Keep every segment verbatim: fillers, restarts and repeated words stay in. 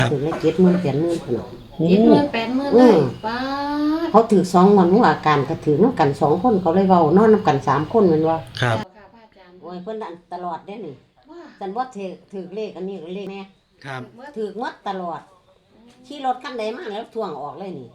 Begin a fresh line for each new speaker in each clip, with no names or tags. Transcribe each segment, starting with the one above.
ถึงเลยเจ็ดหมื่นแปดหมื่นขนาด
เจ็ดหมื่นแปดหมื่นเลยป้า
เขาถือสองวันหัวอาการก็ถือน้ำกันสองคนเขาเลยเว้านอนน้ำกันสามคนเหมือนว่า
ครับ
โอ้ยเพิ่นตลอดได้นี่ฉันว่าถือถือเลขอันนี้เลขแม่
ครับ
ถือมัดตลอดขี่รถคันใดมาแล้วทวงออกเลยนี่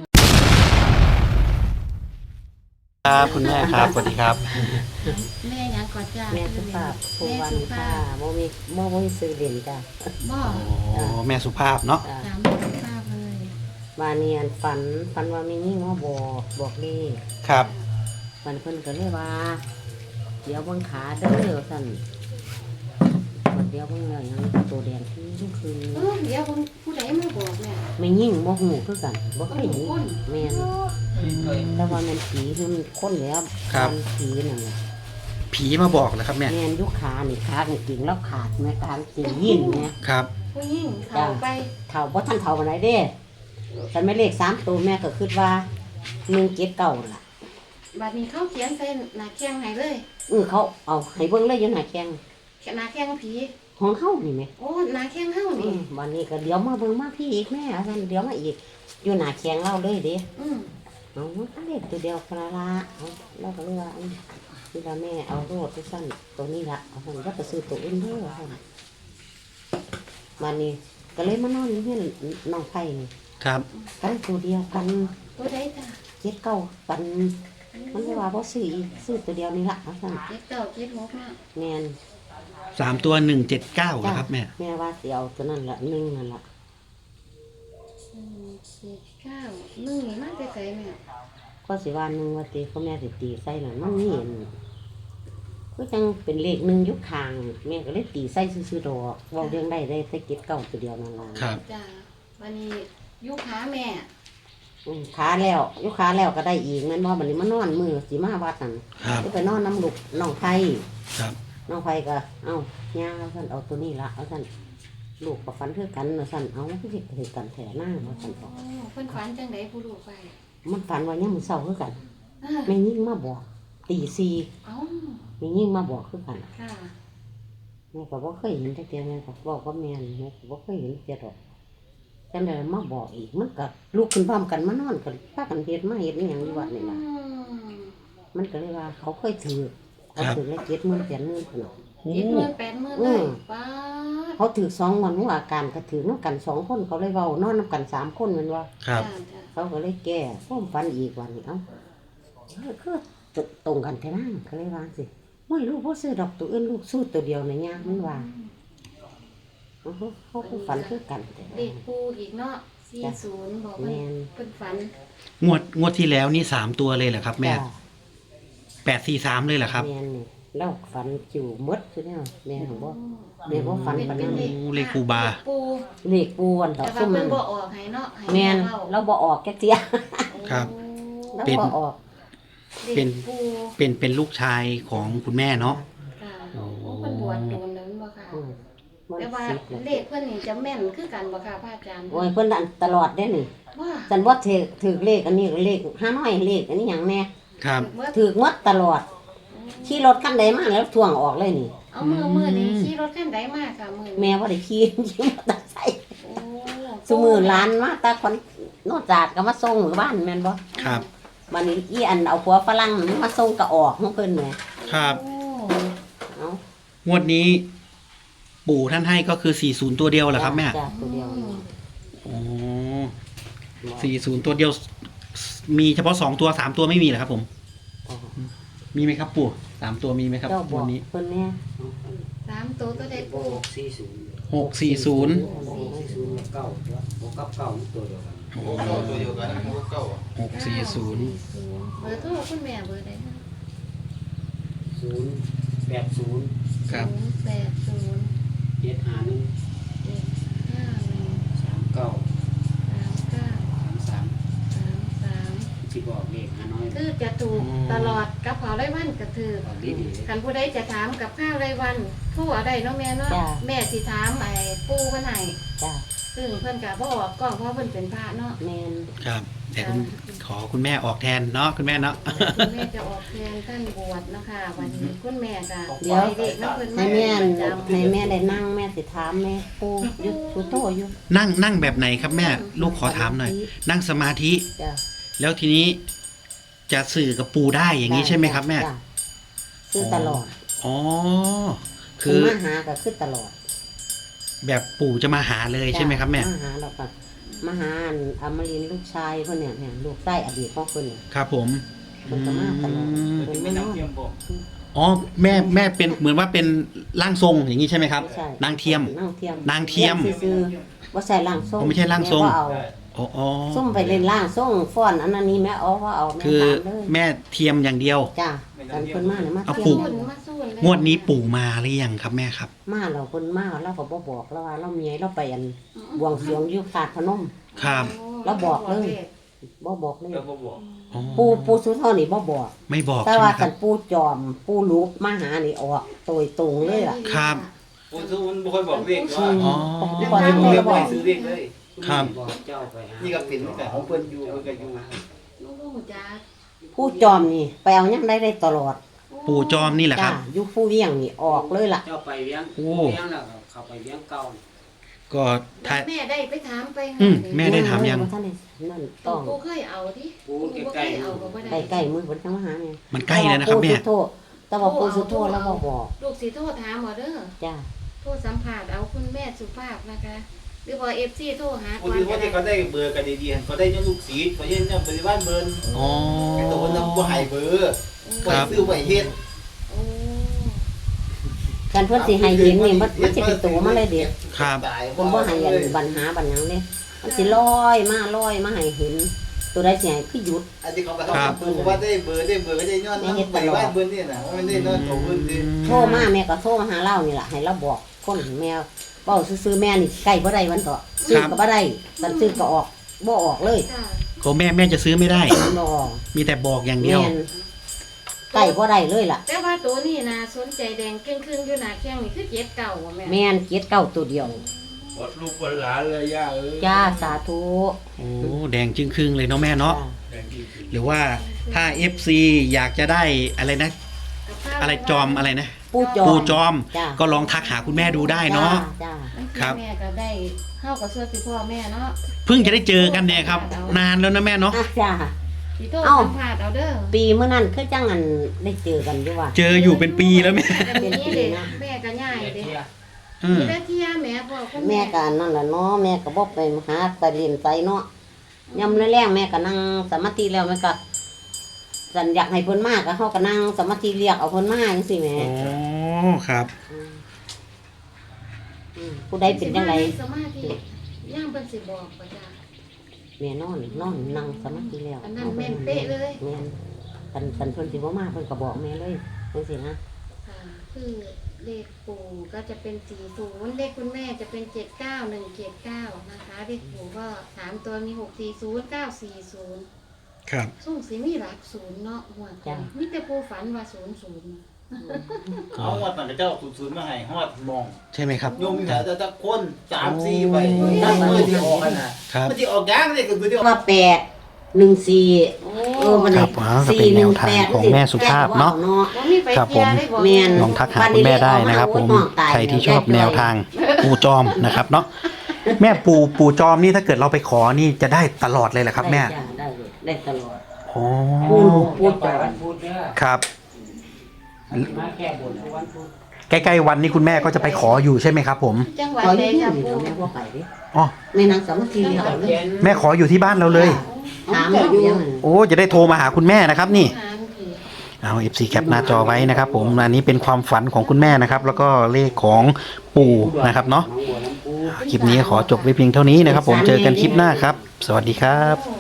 ครับคุณแม่ครับสวัสดีครับ
แม่ยังก่อนจ้า
แม่สุภาพภูวันค่ะโมมีโมโมมีซื้อเหรียญจ้ะ
บ่
โอ้แม่สุภาพเนาะ
ถามแม่สุภาพเลย
วาเนียนฝันฝันว่ามีนี่มาบอกบอกเลข
ครับ
มันเพิ่นก็เลยว่าเดี๋ยวเบิ่งขาเด้อสั่นเดี๋ยวเบิ่งแล้วยังตัวแดงที่ทุกคืน
เออเดี๋ยวผู้ใดมาบอกแม่
ไม่ยิ่งบ่หูคือกันบ่เคยเห็นแม่นแต่ว่ามันผีคือมันคนแล้วมันผีนั่นน่ะ
ผีมาบอกเหรอครับแม่
แม่นยุคขานี่ขากางเกงแล้วขาดแม่กางเกงยินแม่
ครับ
ผู้หญิงเขาไป
เฒ่าบ่ทันเฒ่าปานใดเด้ฉันไม่เลขสามตัวแม่ก็คิดว่าหนึ่งเจ็ดเก้าล่ะ
บัดนี้เขาเขียนใส่หน้าแข้งให้เลย
เออเขาเอาให้เบิ่งเลยอยู่หน้าแข้ง
หน้าแข้งผี
ของเฮานี่แม่
โอ้หน้าแข้งเฮา
อื
นี่
มวันนี้ก็เดี๋ยวมาเบิ่งมาพี่อีกแม่ท่านเดี๋ยวมาอีกอยู่หน้าแข้งเราเลยเด้
อืม
เอาอันเล็กตัวเดียวพลาละเอาเราก็เลยว่าอืมนี่ละแม่เอาโรดที่สั้นตัวนี้ละเอาคนก็ไปซื้อตัวอื่นเด้อคนวันนี้ก็เลยมานอนอยู่ที่น้องไผ่นี่
ครับ
กันตัวเดียวกัน
ตัวใดจ้า
เจ็ดเก้ากันมันเลยว่าบ่ซื้ออีกซื้อตัวเดียวนี่ละเอาสั่น
เจ็ดเก้าเจ็ดหกเนาะ
แม่น
สามตัวหนึ่งเจ็ดเก้าครับแม่
แม่ว่าสิเอาตัวนั้นละหนึ่งนั่นละ
อืมเจ็ดเก้าหนึ่งนี่มาแต่ไสแม่
ก็สิว่าหนึ่งว่าตีเขาแม่สิตีใส่หน่อยมันนี่เห็นก็จังเป็นเลขหนึ่งอยุคคางแม่ก็เลยตีใส่ซื้อๆดอกเว่าเรื่องได้ได้ใส่เก็บเก่าตัวเดียวนั่นละ
ครับ
จ้าวันนี้ยุคหาแม่
อืมขาแล้วอยุคขาแล้วก็ได้อีกแม่นว่าบัดนี้มานอนมือสีมาวัดนั่น
ครับ
ไปนอนน้ำลูกน้องไฟ
ครับ
น้องไฟก็เอ้าย่าเอาท่านเอาตัวนี้ละเอาท่านลูกกับฟันเท่ากันเอาท่านเอามันก็สิถือกันแถหน้าเอาท่านบอก
โอ้เพิ่นฝันจังไดผู้ลูกไป
มันฝันว่าเนี่ยามมือเศร้าคือกัน
อ่า
แม่ยิ่งมาบอกตีซี
เอ้า
แม่ยิ่งมาบอกคือกัน
ค่ะ
แม่ก็บ่เคยเห็นแต่เดียวแม่ก็บอกว่าแม่นแม่ก็บ่เคยเห็นเดียวดอกจังได๋มาบอกอีกมันก็ลูกขึ้นพร้อมกันมานอนกันพากันเฮ็ดมาเฮ็ดอีหยังอยู่วัดนี่ล่ะ
อืม
มันก็เลยว่าเขาเคยถือเขาถือเลยเจ็ดหมื่นแปดหมื่นขนาด
เจ็ดหมื่นแปดหมื่นเลยป้าด
เขาถือสองวันหัวอาการก็ถือน้ำกันสองคนเขาเลยเว้านอนน้ำกันสามคนแมันว่า
ครับ
จ้าจ้า
เขาก็เลยแก้พ้อมฟันอีกวันนี้เอ้าเออคือตรงกันแท้นั่งเขาเลยว่าสิไม่ลูกพ่อซื้อดอกตัวอื่นลูกสู้ตัวเดียวในะยากมันว่าเขาเขาก็ฝันคือกันแต่
เด็กปูอีกเนาะสี่ศูนย์บอกว่า
แม่น
เพิ่นฝัน
งวดงวดที่แล้วนี่สามตัวเลยเหรอครับแม่
จ้ะ
แปดสี่สามเลยเหรอครับ
แม่นนี่แล้วฝันจิ๋วมดใช่ไหมแม่ของบ่ แม่บ่ฝันปานนั้น
เป็น
โอ้เลขครูบา
ปู
เลขปูอันต่อ
แต่ว่า
สู้มั
เพิ่
น
นบ่ออกให้เนาะให้
แม่น
เว้า
เราบ่ออกแกเจีย
ครับ
เรา
เป็น
บ่ออก
เป็น
ด็กปู
เป็นเป็นลูกชายของคุณแม่เนาะ
ค่ะ
โอ้
โอ้เพิ่นบวชโดนแล้วบ่ค่ะ
อืมมัน
แต่ว่า
สิบแล้ว
เลขเพิ่นนี่จะแม่นคือกันบ่ค่ะพระอาจารย์
โอ้ยเพิ่นอันตลอดได้นี่
ว่า
ฉันว่าถือถือเลขอันนี้เลขห้าน้อยเลขอันนี้หยังแน่
ครับ
เมื่อ
ถือหมดตลอดขี่รถคันใดมาแล้วทวงออกเลยนี่
เอามือมือนี่ขี่รถคันใดมาค่ะมือ
แม่ว่าได้ขี่ ขี่มอเตอร์ไซค์
โอ้
ซุมือหลานมาตาคนโนจาดก็มาส่งหมู่บ้านแม่นบ่
ครับ
บัดนี้อีอันเอาผัวฝรั่งมันมาส่งก็ออกของเพิ่นแหม
ครับ
โอ้
เอ้าง
วดนี้ ปู่ท่านให้ก็คือสี่ศูนย์ตัวเดียวเหรอครับแม่
จ้ะตัวเดียวนี่
โอ้สี่ศูนย์ตัวเดียว มีเฉพาะสองตัวสามตัวไม่มีเหรอครับผม
จ้ะ
มีไหมครับปู่สามตัวมีไหมครับ
เจ้าบอ
วั
ก
นนี้
เพิ่นแน่
สามตัวก็ได้ปู
หกสี่ศูนย์
หกสี่ศูนย์
สี่ศูนย์เก้าหกกับเก้าตัวเดียวกัน
ตัวเดียวกันพวกเก้าอ่ะ
หกสี่ศูนย์
เบอร์โทรคุณแม่เบอร์ใดคะ
ศูนย์แปดศูนย์
ครับ
ศูนย์แปดศูนย์
เจ็ดห้าหนึ่ง
เจ็ดห้าหนึ่ง
สามเก้า
สามเก้า
สามสาม
สามสาม
ที่บอกเลขห้าน้อย
คือจะถูกตลอดกับเผาไรวันก็ถือ
บอกดีดี
คันผู้ใดจะถามกับข้าวไรวันโทั่วได้เนาะแม่เนาะแม่สิถามไอ้ปูวันไหน
จ้ะ
ซึ่งเพิ่นก็บ่ออกกล้องเพราะเพิ่นเป็นพระเนาะ
แมน
ครับแต่คุณขอคุณแม่ออกแทนเนาะคุณแม่เนาะ
คุณแม่จะออกแทนท่านบวชเนาะค่ะวันนี้คุณแม่จะ
เดี๋ยว
เด็กนักเพิ่น
ให้แม่น
จำ
ให้แม่ได้นั่งแม่สิถามแม่ปูอยุสุโตอยู่
นั่งนั่งแบบไหนครับแม่ลูกขอถามหน่อย นั่งสมาธิ
จ้ะ
แล้วทีนี้จะสื่อกับปู่ได้อย่างนี้ใช่ไหมครับแม่
จ้ะซื้อตลอด
อ๋อ
คื
คือ อ
มาหาก็คือตลอด
แบบปู่จะมาหาเลยใช่ไหมครับแม่
มาหาเราก็มาหาอันอมรินทร์ลูกชายเพิ่นเนี่ยเนี่ยลูกใต้อดีตของเพิ่นเนี่ย
ครับผม
เพิ่นก็มาตลอด
อืม
เพิ่น
ไม่
ไม่น
นัก
อน
เทียมบอก
อ๋อแม่แม่เป็นเหมือนว่าเป็นร่างทรงอย่างนี้ใช่ไหมครับ
ใช่
นางเทียม
นางเทียม
นางเทียม
ซื่อๆว่าใส่ร่างทรง
อ๋อไม่ใช่ร่างทรง
แม่บ่เอา
อ๋ออ๋อ
ส้มไปเล่นร่างทรงฟ้อนอันนั้นนี้แม่เอาว่าเอาแม่
คือ
ถามเลย
แม่เทียมอย่างเดียว
จ้ะกันเพิ่นมาเนี่ยมา
เอา
เที่
ปู่
ยว
สู้มาสู้เลย
งวดนี้ปู่มาหรือยังครับแม่ครับ
มาเราเพิ่นมาเราก็บ่บอกเราว่าเราเมียเราไปอันบวงสรวงอยู่ขาดพนม
ครับ
แล้วบอกเลย บ่บอกเลย
แล้วก็บอก
อ๋อ
ปูปูสุเท่านี่บ่บอก
ไม่บอก
แต่
ใช่ไหม
ว่า
ค
กั
รับ
นปูจอมปูรูปมาหานี่ออกโดยตรงเลยล่ะ
ครับ
คนซื้อมันบ่ค่อยบอกเลขว่า
อ๋อ
ก่อน
ไม่
ที่
บอกเล
จะ
ข
บ
บ่
อก
ให้ซื้อเลขเลย
ครับ
บอกเจ้าไปนี่ก็เป็นแต่ของเพิ่นอยู่เพิ่นก็อยู่
ลูกหูจ้า
ผู้จอมนี่ไปเอายังได้ได้ตลอด
ปู่จอมนี่แหละค
จ้า
รับ
อยู่ผู้เวียงนี่ออกเลยล่ะ
เจ้าไปเลี้ยง
โอ้
เลี้ยงแล้วก็เข้าไปเลี้ยงเก่า
ก็ถ้า
แม่ได้ไปถามไป
อืมแม่ได้ถามยัง
ท่านนี่นั่นต้อง
ปูเคยเอาดิ
ปู
ปู
ใกล้
เคย
ๆ
เอาก็บ่ได้
ใกล้ๆมือเพิ่นจะมาหาเนี่ย
มันใกล้แล้วนะครับแม่
ปูสุโธแต่ว่าปูสุโธแล้วบ่บอก
ลูกสิโทรถามบ่เด้อ
จ้า
โทรสัมภาษณ์เอาคุณแม่สุภาพนะคะ หรือว่า เอฟ ซี โทรหา
คนที่ว่าที่เขาได้เบอร์กันดีๆเขาได้ยังลูกศิษย์เขายังบริวารเบอร์
อ๋อ
ไอ้ตัวนั้นบ่ให้เบอร์บ่ให้ซื้อบ่ให้เฮ็ด
โอ้
กันเพิ่นสิให้เห็นนี่มันมันสิเป็นตัวมาเลยเด็ด
ครับ
ตาย
เพิ่นบ่ให้อันปัญหาบัญญังเด้มันสิลอยมาลอยมาให้เห็น ตัวใดสิให้คือหยุด
อันที่เขาก็ทำคือว่าได้เบอร์ได้เบอร์ก็ได้ย้อนบริวารเบอร์นี่น่ะมันได้ย้อนตัวเพิ่นดิ
โทรมาแม่ก็โทรมาหาเรานี่ล่ะให้เราบอกคนแม่เว้าซื่อๆแม่นี่ใกล้บ่ได้วันต่อซื้อก็บ่ได้สันซื้อก็ออกบ่ออกเลย
จ้า
ก็แม่แม่จะซื้อไม่ได้
บ่ออก
มีแต่บอกอย่างเดียว
แม่นใกล้บ่ได้เลยล่ะ
แต่ว่าตัวนี้นะสนใจแดงครึ่งๆอยู่หน้าแข้งนี่คือเจ็ดเก่าอะแม่
แม่นเกียรติเก้าตัวเดียว
ปดลูกปดหลานเลยย่าเอ้ย
จ้าสาธุ
โอ้แดงจึงครึ่งเลยเนาะแม่เนาะ
จ้
หรือว่าถ้า เอฟ ซี อยากจะได้อะไรนะ อะไรจอมอะไรนะ
ปูจอม
ปู่จอม
จ้า
ก็ลองทักหาคุณแม่ดูได้เนาะ
จ้า
ครับ
แม่ก็ได้เข้ากับส่วนสิพ่อแม่เนาะ
เพิ่งจะได้เจอกันเนี่ยครับ นานแล้วนะแม่เนาะ
อ่ะจ้า
สิโทร
เอ้า
สัมภาษณ์เอาเด้อ
ปีเมื่อนั้นคือจังอันได้เจอกันอยู่ว่า
เจออยู่เป็นปีแล้วแม่
เป็นนี้เด็แม่ก็ง่ายเด้
อืม
มีได้เที่ยแม่พ่อคุณ
แม่ก็อันนั่นแหละเนาะแม่ก็บ่ไปหาไปเรียนไปเนาะยามแรงๆแม่ก็นั่งสมาธิแล้วแม่ก็สันอยากให้เพิ่นมาก็เฮาก็นั่งสมาธิเรียกเอาเพิ่นมาจังซี่แหม่
โอ้ครับ
อืมอืมผู้ใดเป็นจังได
สมาธิย่างเพิ่นสิบอกว่าจ้า
แม่นอนนอนนั่งสมาธิแล้ว
อันนั้นแม่นเป๊ะเลย
แม่นคันคันเพิ่นสิบ่มาเพิ่นก็บอกแม่เลยจังซี่นะ
ค่ะคือเลขปู่ก็จะเป็นสี่ศูนย์เลขคุณแม่จะเป็นเจ็ดเก้าหนึ่งเจ็ดเก้านะคะเลขปู่ก็สามตัวมีหกสี่ศูนย์เก้าสี่ศูนย์
ครับ
ส่งสีมีหลักศูนย์เนาะหัวใจมีแต่ปู่ฝันว่าศูนย์ศูนย์
เอาฮอดมันเจ้าศูนย์มาให้ฮอดมอง
ใช่ไหมครับ
โยมมีแต่แต่คนสามสี่ไปตั้งมือที่ออกกันน่ะ
ครับ
มันสิออกยางเลยก็คือที่
ว่าแปดหนึ่งสี่
โอ้
เออมัน
ครับอ๋อก็เป็นแนวทางของแม่สุภาพเนาะ
ว่ามีไป
ครับ
เที่ยว
ผม
ได้บอก
แม่น
ลองทักหาคุณแม่ได้นะครับผม ใครที่ชอบแนวทางปู่จอมนะครับเนาะ แม่ปู่ปู่จอมนี่ถ้าเกิดเราไปขอนี่จะได้ตลอดเลยเหรอครับแม่
ได้จ้ะได้เลยได้ตลอด
โอ้
ปูปูจอด
พูดเด้อ
ครับ
มาแก้บนทุกวันพุธ
ใกล้ๆวันนี้คุณแม่ก็จะไปขออยู่ใช่ไหมครับผม
จังหวัด
ขอ
ใด
อยู่
จ้ะ
นี่
ปู่
แม่บ่ไปดิ
อ๋อ
แม่นางสามัคคีเรียกเอาเลย
แม่ขออยู่ที่บ้านเราเลย
ถามอยู่ยังนั่น
โอ้จะได้โทรมาหาคุณแม่นะครับนี่
หาคือ
เอา เอฟ ซี แคปหน้าจอไว้นะครับผม อันนี้เป็นความฝันของคุณแม่นะครับ แล้วก็เลขของปู่นะครับเนาะ คลิปนี้ขอจบไว้เพียงเท่านี้นะครับผม เจอกันคลิปหน้าครับ สวัสดีครับ
โอ้